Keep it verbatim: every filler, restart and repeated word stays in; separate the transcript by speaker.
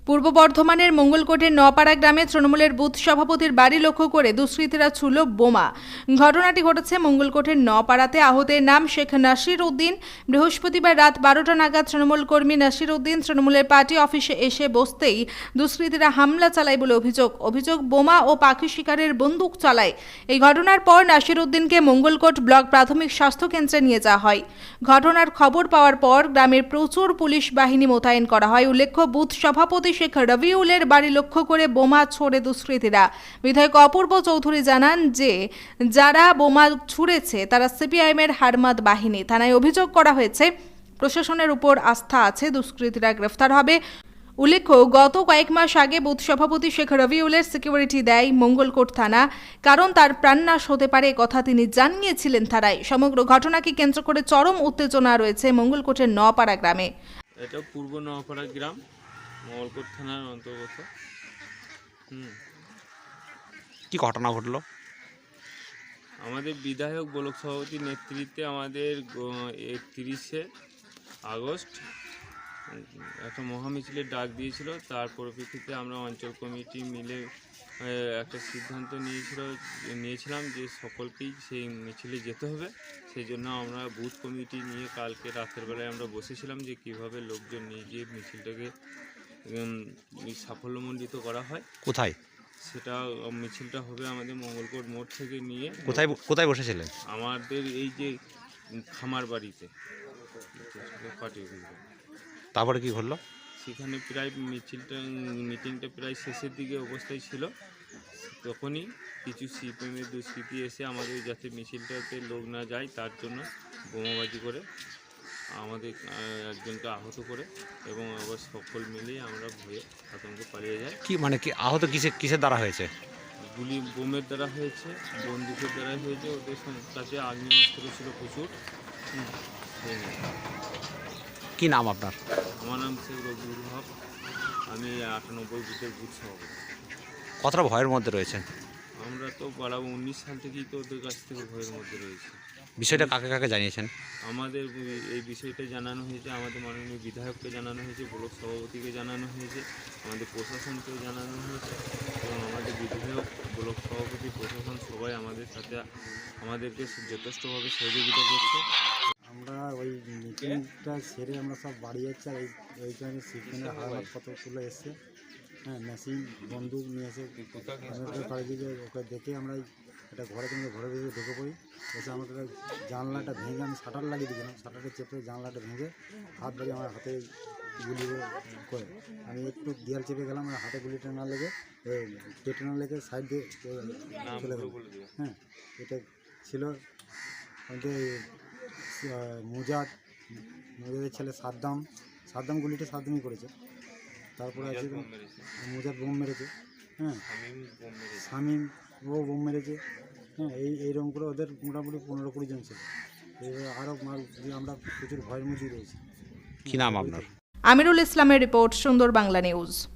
Speaker 1: পূর্ব বর্ধমানের মঙ্গলকোটের নপাড়া গ্রামে তৃণমূলের বুথ সভাপতির বাড়ি লক্ষ্য করে দুষ্কৃতীরা ছুড়ল বোমা। ঘটনাটি ঘটেছে মঙ্গলকোটের নপাড়াতে। আহতের নাম শেখ নাসির উদ্দিন। বৃহস্পতিবার রাত বারোটা নাগাদ তৃণমূল কর্মী নাসির উদ্দিন তৃণমূলের পার্টি অফিসে এসে বসতেই দুষ্কৃতীরা হামলা চালায় বলে অভিযোগ অভিযোগ বোমা ও পাখি শিকারের বন্দুক চালায়। এই ঘটনার পর নাসির উদ্দিনকে মঙ্গলকোট ব্লক প্রাথমিক স্বাস্থ্য কেন্দ্রে নিয়ে যাওয়া হয়। ঘটনার খবর পাওয়ার পর গ্রামের প্রচুর পুলিশ বাহিনী মোতায়েন করা হয়। উল্লেখ্য, বুথ সভাপতি শেখ রবিউলের বাড়ি লক্ষ্য করে বোমা ছোড়ে দুষ্কৃতীরা। বিধায়ক অপূর্ব চৌধুরী জানান যে যারা বোমা ছুড়েছে তারা সিপিআইএমের হারমাদ বাহিনী। থানায় অভিযোগ করা হয়েছে। প্রশাসনের উপর আস্থা আছে, দুষ্কৃতীরা গ্রেফতার হবে। উল্লেখ্য, গত কয়েক মাস আগে বুথ সভাপতি শেখ রবিউলের সিকিউরিটি দেয় মঙ্গলকোট থানা, কারণ তার প্রাণনাশ হতে পারে কথা তিনি জানিয়েছিলেন থানায়। সমগ্র ঘটনাকে কেন্দ্র করে চরম উত্তেজনা রয়েছে মঙ্গলকোটের নপাড়া গ্রামে।
Speaker 2: এটা পূর্ব নপাড়া গ্রাম, মঙ্গলকোট থানার অন্তর্গত। হুম
Speaker 3: কি ঘটনা ঘটলো?
Speaker 2: আমাদের বিধায়ক ব্লক সভাপতির নেতৃত্বে আমাদের একত্রিশে আগস্ট একটা মহামিছিলের ডাক দিয়েছিল। তার পরিপ্রেক্ষিতে আমরা অঞ্চল কমিটি মিলে একটা সিদ্ধান্ত নিয়েছিল নিয়েছিলাম যে সকলকেই সেই মিছিলে যেতে হবে। সেই জন্য আমরা বুথ কমিটি নিয়ে কালকে রাতের বেলায় আমরা বসেছিলাম যে কিভাবে লোকজন নিয়ে গিয়ে মিছিলটাকে সাফল্যমণ্ডিত করা হয়।
Speaker 3: কোথায়
Speaker 2: সেটা মিছিলটা হবে আমাদের মঙ্গলকোট মোড় থেকে নিয়ে।
Speaker 3: কোথায় কোথায় বসেছিলেন?
Speaker 2: আমাদের এই যে খামার বাড়িতে পার্টি।
Speaker 3: তারপরে কি ঘটলো?
Speaker 2: সেখানে প্রায় মিছিলটা মিটিংটা প্রায় শেষের দিকে অবস্থায় ছিল। তখনই কিছু সিপিএমের দুষ্কৃতী এসে আমাদের যাতে মিছিলটাতে লোক না যায় তার জন্য বোমাবাজি করে আমাদের একজনকে আহত করে এবং আবার সকল মিলেই আমরা ভয়ে আতঙ্কে পালিয়ে যাই।
Speaker 3: কি মানে কি আহত কিসে কিসের দ্বারা হয়েছে?
Speaker 2: গুলি বোমের দ্বারা হয়েছে, বন্দুকের দ্বারা হয়েছে। ওদের কাছে আগ্নেয়াস্ত্র ছিল প্রচুর।
Speaker 3: কি নাম আপনার?
Speaker 2: আমার নাম শেখ রবিউল হক। আমি আটানব্বই বুথের বুথ সভাপতি।
Speaker 3: কতটা ভয়ের মধ্যে রয়েছে?
Speaker 2: আমরা তো বাড়া উনিশ সাল থেকেই তো ওদের কাছ থেকে ভয়ের মধ্যে রয়েছে।
Speaker 3: বিষয়টা কাকে কাকে জানিয়েছেন?
Speaker 2: আমাদের এই বিষয়টা জানানো হয়েছে, আমাদের মাননীয় বিধায়ককে জানানো হয়েছে, ব্লক সভাপতিকে জানানো হয়েছে, আমাদের প্রশাসনকে জানানো হয়েছে এবং আমাদের বিধায়ক, ব্লক সভাপতি, প্রশাসন সবাই আমাদের সাথে আমাদেরকে যথেষ্টভাবে সহযোগিতা করছে।
Speaker 4: আমরা ওই মিটিংটা সেরে আমরা সব বাড়ি যাচ্ছি। আর এইখানে সিপিএমের হারমাত কতগুলো এসছে, হ্যাঁ, মেশিন বন্দুক নিয়ে এসে বাড়ি দিকে ওকে দেখে আমরা একটা ঘরে কিন্তু ঘরে ভিতরে ঢুকে পড়ি। এসে আমাকে জানলাটা ভেঙে আমি শাটার লাগিয়ে দিয়েছিলাম। শাটারটা চেপে জানলাটা ভেঙে হাত বাড়ি আমার হাতে গুলি করে আমি একটু দেয়াল চেপে গেলাম। আমার হাতে গুলিটা না লেগে পেটে না লেগে সাইড দিয়ে চলে গেল। হ্যাঁ, এটা ছিল আমাদের মুজাদ মুজাদের ছেলে সাদ্দাম। সাদ্দাম গুলিটা সাদ্দামই করেছে। তারপরে আছে মুজাদ বোম মেরেছে। হ্যাঁ, শামীম ও বোম মেরেছে। হ্যাঁ, এই এইরকম করে ওদের মোটামুটি পনেরো কুড়ি জন ছিল। আরও আমরা প্রচুর ভয়ের মধ্যেই রয়েছি।
Speaker 3: কি নাম আপনার?
Speaker 1: আমিরুল ইসলামের রিপোর্ট, সুন্দর বাংলা নিউজ।